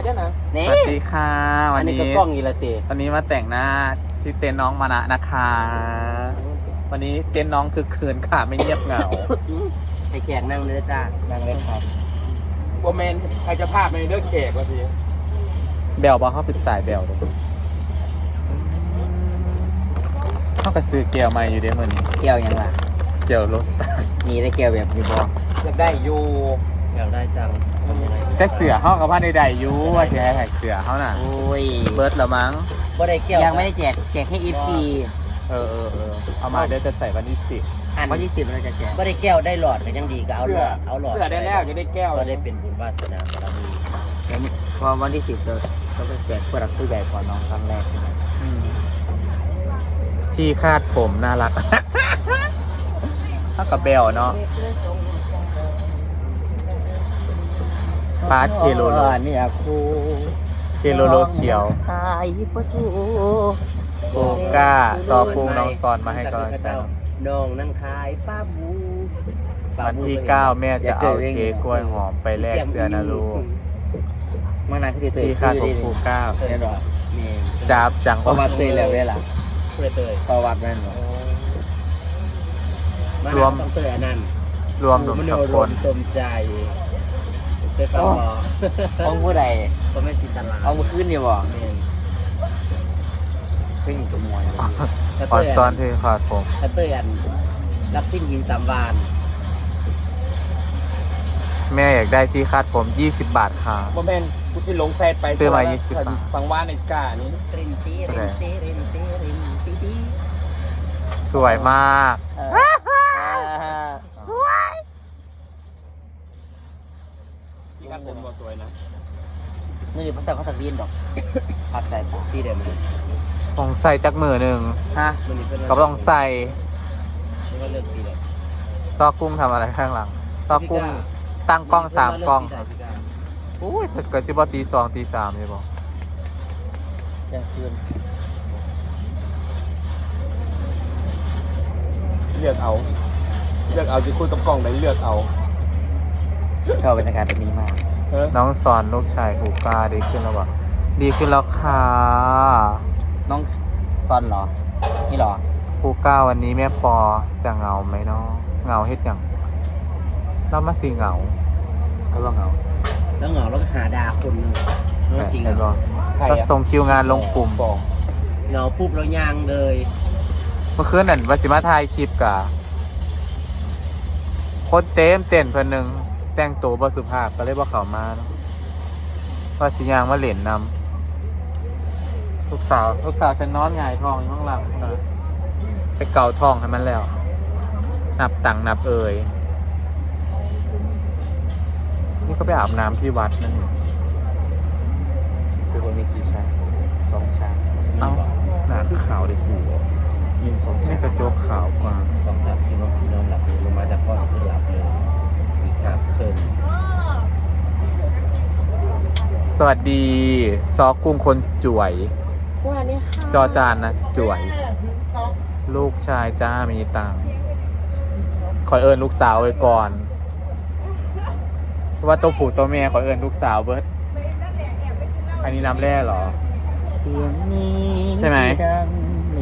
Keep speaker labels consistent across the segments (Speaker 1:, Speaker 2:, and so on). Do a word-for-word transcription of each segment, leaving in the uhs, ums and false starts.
Speaker 1: ช่ไหม
Speaker 2: สวัสดีค่ะวันนี้
Speaker 1: ก็กล้องอีละเตะ
Speaker 2: วันนี้มาแต่งหน้าที่เต็นท์น้องมานะนะคะวันนี้เต็นท์น้องคือคืนค่ะไม่เงียบเหงา
Speaker 1: ให้แขกนั่งเลยจ้า
Speaker 2: นั่งเล่นครับ
Speaker 1: โบแมนใครจะภาพในเลือกแขกวะพี่
Speaker 2: เบลบอกเขาปิดสายเบลเลยเขากระซื้อเกลียวมาอยู่เด้เมื่อนี้
Speaker 1: แก้วยังล่ะ
Speaker 2: เกลียวรถ
Speaker 1: มีได้แก้วแบบมีบออยากได้อยู่อยากได้จัง
Speaker 2: แต่เสือเขากับผ้าใดๆอยู่ว่าจะให้ใส่เสือเขาน่ะ
Speaker 1: โอ้ย
Speaker 2: เบิร์ดเหรอมั้ง
Speaker 1: บ่ได้แก้วยังไม่ได้แจกแจกแค่อีพี
Speaker 2: เออเออเออเอามาเดี๋ยวจะใส่วันที่สิบ
Speaker 1: อันวันที่สิบเราจะแจกบ่ได้แก้วได้หลอดก็ยังดีก็เอาหลอดเอาหลอด
Speaker 3: เสื้อได้แล้วจะได้แก้ว
Speaker 1: ก็ได้เป็นบุญวาสนาบารมีแล้วนี่พอวันที่สิบเราเราไปแจกผู้หลักผู้ใหญ่ก่อนน้องครั้งแรกใช่ไหม
Speaker 2: อืมที่คาดผมน่ารัก เท่ากับเบลเนาะปาเคโลโล
Speaker 1: เนี่ยครู
Speaker 2: เคโลโลเขียว
Speaker 1: ขายประตู
Speaker 2: โกก้าซอกุ้งน้องซอนมาให้กำลังใจ
Speaker 1: น้องนั่งขายป้าบู
Speaker 2: วันที่เก้าแม่จะเอาเค้กกล้วยหอมไปแลกเสื้อนะลูก
Speaker 1: เมื่อนานคือ
Speaker 2: ที่คาดผมครูเก้า
Speaker 1: เตยหรอมี
Speaker 2: จับจัง
Speaker 1: ประวัติเตยแล้วเวลาเตยประวัติแม่นหรอรวมต้องเตยอันนั้น
Speaker 2: รวมหนุ่มสองคน
Speaker 1: ตมใจเตยฟังบอของผู้ใดก็ไม่จินตนาเอามาขึ้นอยู่บ่ขึ้นอยู่กับมวย
Speaker 2: ออนซ้อนที่คาดผม
Speaker 1: ถ้าเตยอันรับสิ้นยิงสามวาน
Speaker 2: แม่อยากได้ที่คาดผมยี่สิบบาทค่ะ
Speaker 3: โมเมนกูจะลงแฟนไป
Speaker 2: ซื้อมายี่สิบบาท
Speaker 3: ฟังว่าในกานี้
Speaker 1: รินตีรินตีรินตีรินตีตี
Speaker 2: สวยมาก
Speaker 1: สวย
Speaker 3: ที่คาดผมก็สวยนะ
Speaker 1: นี่ภาษาเขาตะวีนดอกพักใจที่เดิมเลย
Speaker 2: ต้องใส่จักมือหนึ่ง
Speaker 1: ฮะ
Speaker 2: ก็ต้องใส่
Speaker 1: นี่ก็เลิกปีเลย
Speaker 2: ซอกกุ้งทำอะไรข้างหลัง ซอกกุ้งตั้งกล้องสามกล้องอุ้ยเกิดชิบอตีสองตีสามเลยบอก
Speaker 1: ยังคืน
Speaker 3: เลือกเอาเลือกเอาจะคุยกับกล้องไหนเลือกเอา
Speaker 1: ชอบบรรยากาศแบบนี้มาก
Speaker 3: เออ
Speaker 2: น้องสอนลูกชายหูกาดีขึ้นแล้ววะดีขึ้นแล้วค่ะ
Speaker 1: น้องซอนเหรอ นี่เหรอ
Speaker 2: หูกาวันนี้แม่ปอจะเหงาไหมเนาะเหงาเฮ็ดอย่างเรามาสีเหงาเขาบอกเหงา
Speaker 1: แล้วเหงาแล้วก็หาดาคนหนึงแล้วจริง
Speaker 2: เห็น
Speaker 1: เหร
Speaker 2: บอ
Speaker 1: อก
Speaker 2: ก็ส่งคิวงานลงกลุ่ม
Speaker 3: บอก
Speaker 1: เหงาปุ๊บแล้วยางเลย
Speaker 2: เมื่อคืนนั่นวัชิมาถ่ายคลิปกะคนเต็มเต้นเพิ่นหนึ่งแต่งตัวบสุภาพก็เลยบ่เข้ามาเนาะว่าสิยางมาเล่นนำลูกสาวลูกสาวฉันนอนหงายท้องอยู่ข้างหลังนะไปเกาท้องให้มันแล้ว นับตังค์นับเอ่ยนี่ก็ไปอาบน้ำที่วัดนั่นเอง
Speaker 1: คือคนมีกี่ชาสองชา
Speaker 2: เอ้าหนาคือขาวเลยสู
Speaker 1: ยิงสอง
Speaker 2: ไม่
Speaker 1: ชาก
Speaker 2: ระจกขาวกว่า
Speaker 1: สองชาพี่น้องพี่น้องหลับเลยลงมาจากพ่อคือหลับเลยอีกชาเคิม
Speaker 2: สวัสดี ซอกุ้งคนจ่วย
Speaker 4: สวัสดีค่ะ
Speaker 2: จอจานนะจ่วย ลูกชายจ้ามีตังค์ขอเอิญลูกสาวไว้ก่อนเพราะว่าตัวผู้ตัวแม่ขอเอิญลูกสาวเบิร์ดอันนี้น้ำแร่เหรอ
Speaker 1: เสียงนี้
Speaker 2: ใช่ไหม
Speaker 1: ดังเนี่ย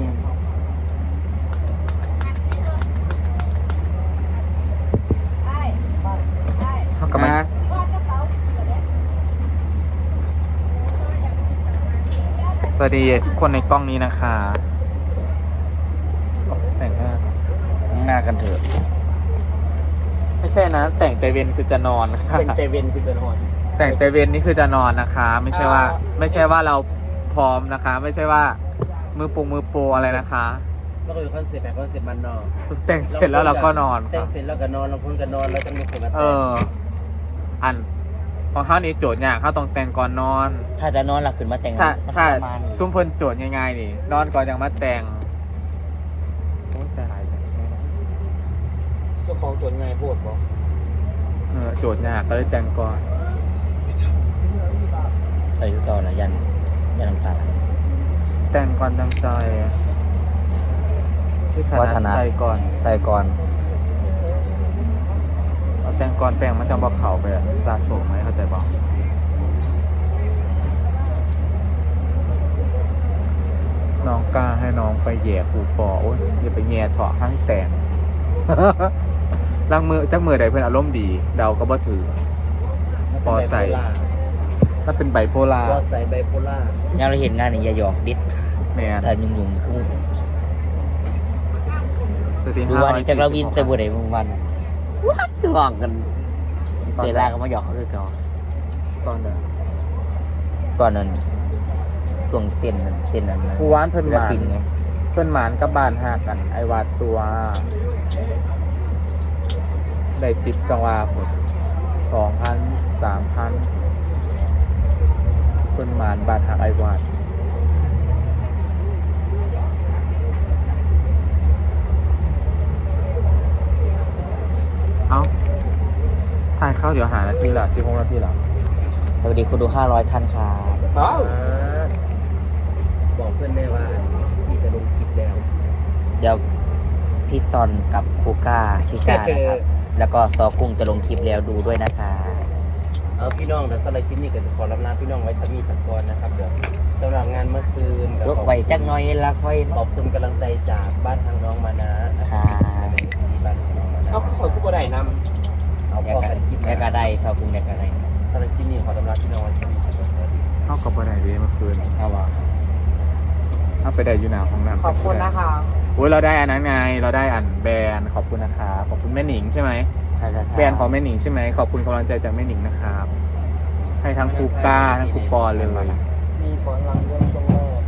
Speaker 2: เท่ากับมันสวัสดีทุกคนในกล้องนี้นะคะแต่งหน้า
Speaker 1: ข้างหน้ากันเถอะ
Speaker 2: ไม่ใช่นะ แต่งแต่เวนคือจะนอนค่ะ
Speaker 3: เป็นเตเวนคือจะนอน
Speaker 2: แต่งแต่เวนนี่คือจะนอนนะคะ ไม่ใช่ว่า ไม่ใช่ว่าเราพร้อมนะคะ ไม่ใช่ว่ามือปุงมือโปรอะไรนะคะ
Speaker 1: แล้วก็อยู่คอนเซ็ปต์แบบคอนเซ็ปต์มันนอน
Speaker 2: แต่งเสร็จแล้วเราก็นอน
Speaker 1: แต่
Speaker 2: ค่ะ
Speaker 1: งเสร็จแล้วก็นอนเราคนก็นอนแล้วจะมีคนมา
Speaker 2: เอ
Speaker 1: แต่ง
Speaker 2: อ อันของเขานี่โจทย์ยากเขาต้องแต่งก่อนนอน
Speaker 1: ถ้าจะนอนหลับขึ้นมาแต่ง
Speaker 2: ถ้า
Speaker 1: มัน
Speaker 2: ถ้า
Speaker 1: ประมาณนี้
Speaker 2: ซุ้มเพิ่นโจทย์ง่ายๆนี่ นอนก่อนยังมาแต่งโอ้ยเสียหายจัง
Speaker 3: เจ้าของจนไงพูดบอก
Speaker 2: เออโจทย์ยากก็เลยแต่งก่อน
Speaker 1: ใส่ยุก่อนนะยันยันน้ำตา
Speaker 2: แต่งก่อนตั้งใจที่ข
Speaker 1: วั
Speaker 2: นา
Speaker 1: ฒ
Speaker 2: ด
Speaker 1: นะ
Speaker 2: ใส่ก่อน
Speaker 1: ใส่ก่อน
Speaker 2: เอาแต่งก่อนแปลงมันจะบอกเขาไปอะสะสมไหมเข้าใจบอกน้องไปแย่ครูปอโอ้ยอย่าไปแย่เถาะข้างแตง ลังมือจักมือใดเพื่อนอารมณ์ดี เดาก็บ่ถือ ปอใส่ ถ้าเป็นไบโพล่า
Speaker 3: ปอใส่ไบโพล่า
Speaker 1: ยังเราเห็นงานนี่อย่าหยอกดิดค่ะ
Speaker 2: แม่น
Speaker 1: แต่ยุ่งยุ่งคือ
Speaker 2: สวัสดี
Speaker 1: ดู
Speaker 2: ห้า
Speaker 1: ว่า
Speaker 2: ร้อย
Speaker 1: นี่
Speaker 2: สี่
Speaker 1: จากเรา
Speaker 2: สิ
Speaker 1: วิ
Speaker 2: บ
Speaker 1: น
Speaker 2: หก
Speaker 1: ใส่บัวไหนมึงวันว้าหยอกกันเตะลาก็มาหยอกเขาคือเก่า
Speaker 2: ตอนเดิน
Speaker 1: ก่อนนั้นส่วงเต้นนั้นเต้นนั้น
Speaker 2: กูวานเพิ่น
Speaker 1: ศิ
Speaker 2: ห
Speaker 1: ล
Speaker 2: มาน
Speaker 1: ปินไง
Speaker 2: เพิ่นหมานกับบ้านหากัน ไอวาดตัว ได้ติดจังหวะผมสองพันสามพันเพิ่นหมานบ้านหากไอวาด เอ้าถ่ายเข้าเดี๋ยวหานาทีละสิบหกนาทีละ
Speaker 1: สวัสดีคุณดูห้าร้อยท่านครับ
Speaker 3: เอ้าบอกเพื่อนได้ว่าพี่จะลงคลิปแล้ว
Speaker 1: เดี๋ยวพี่ซอนกับคูก้าพี่ก้านะครับ แล้วก็ซอกุ้งจะลงคลิปแล้วดูด้วยนะคะ
Speaker 3: เอาพี่น้องแต่สำหรับคลิปนี้ก็จะขอรับลาพี่น้องไว้สมีสักก่อนนะครับเดี๋ยวสำหรับงานเมื่อคืน
Speaker 1: ยกไว้จักหน้อยละค่อย
Speaker 3: ขอบคุณกำลังใจจากบ้านทางน้องมานะนะค
Speaker 1: ค่ะ
Speaker 3: รับเป็นซีบ้านทางน้องมานะเอาขอคู่ก็ได้นำเอา
Speaker 1: แย
Speaker 3: พ
Speaker 1: ก
Speaker 3: อ
Speaker 1: กั
Speaker 3: กัน นคลิป
Speaker 1: แยกกันได้ซอกุ้งแยกกันได้
Speaker 3: สำหรับคลิปนี้ขอรับลาพี่น้องไว้สมีสักก่อนสวัสดี
Speaker 2: เข้ากับบ่ได้เด้เมื่อคืน
Speaker 1: เอาวะ
Speaker 2: เข้าไปได้อยู่หนาห้องน้ำ
Speaker 3: ขอบคุณนะคะ
Speaker 2: โอ้ยเราได้อันนั้นไง เราได้อันแบรนด์ขอบคุณนะครับขอบคุณแม่หนิงใช่ไหม
Speaker 1: ใช่ใช่
Speaker 2: แบรนด์ของแม่หนิงใช่ไหมขอบคุณกำลังใจจากแม่หนิงนะครับ ให้ทั้งครูก้าทั้งครูปอเลย
Speaker 3: มีฝนลังเรื่องช่วงแรก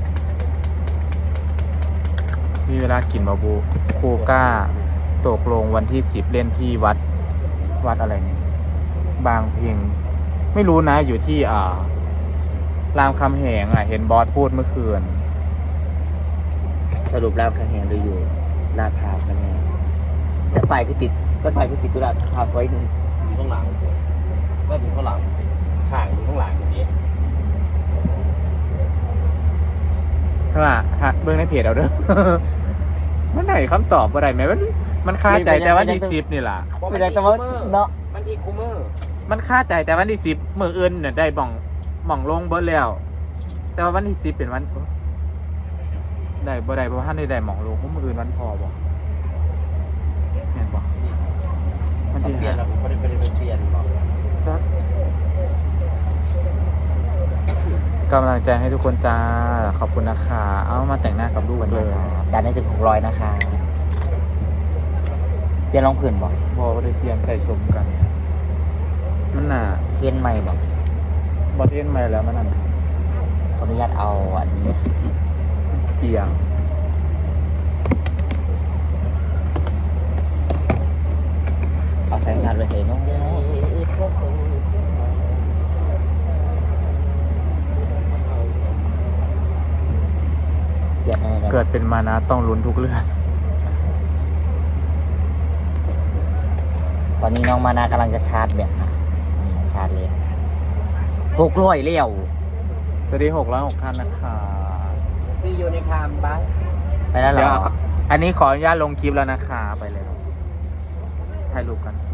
Speaker 2: มีเวลากินบาบูครูก้าตกลงวันที่สิบเล่นที่วัดวัดอะไรเนี่ย บางเพียง ไม่รู้นะอยู่ที่อ่ารามคำแหงอ่ะ เห็นบอสพูดเมื่อคืน
Speaker 1: สรุปรามคำแหงหรืออยู่ลาดพร้าวกันแน่แต่ไปคือติดก็ไปคือติดกุลาดพร้าวซอยหนึ่ง
Speaker 3: อยู่ข้างหลังว่าอยู่ข้างหลังข้างอยู่ข้างหลังอย่างนี้
Speaker 2: เท่าไหร่ฮะเบื้องในเพจเอาเด้อ มันไหนคำตอบอะไรไหมมันมันคาใจแต่วันที่สิบนี่แหละ
Speaker 1: ไม่ได้แต่ว่าเนาะ
Speaker 3: มันอีคูเมอร์
Speaker 2: มันคาใจแต่วันที่สิบมืออื่นเนี่ยได้บ่องบ่องลงเบิร์ดแล้ว แต่ว่าวันที่สิบเป็นวันได้บ่ได้เพราะว่าท่านได้ได้หม่องลงเพราะมืออื่นวันพอบอกเห็นบอกมัน
Speaker 3: มัน
Speaker 2: ที่
Speaker 3: เปลี่ยนแล้วผมไม่ได้ไปเปลี่ยนหรอก
Speaker 2: กำลังใจให้ทุกคนจ้าขอบคุณนะคะเอามาแต่งหน้ากับลูก
Speaker 1: วัน
Speaker 2: เล
Speaker 1: นี้
Speaker 2: ย
Speaker 1: ครับดันให้ถึงหกร้อยนะคะเปลี่ยนรองผืนบอก
Speaker 2: บอกก็ได้เปลี่ยนใส่สมกัน มันหนา
Speaker 1: เพี้ยนใหม่บอก
Speaker 2: บอเทนมาแล้วมันนั่น
Speaker 1: ขออนุญาตเอาอันนี้
Speaker 2: เปียง
Speaker 1: เอาแฟนงานไปเห็นเนาะเสียดอะไร
Speaker 2: เกิดเป็นมานะต้องลุ้นทุกเรื่อง
Speaker 1: ตอนนี้น้องมานากำลังจะชาร์จแบตนะครับนี่ชาร์จเลยหกร้อยเลี้ยว
Speaker 2: สวัสดีหกร้อยหกท่านนะคะ
Speaker 3: ซีอยู่ในคามบ้าง
Speaker 1: ไปแล้วเหร
Speaker 2: เดี๋ยว
Speaker 1: อ
Speaker 2: อันนี้ขออนุญาตลงคลิปแล้วนะคะ ไปเลยครับถ่ายรูปกัน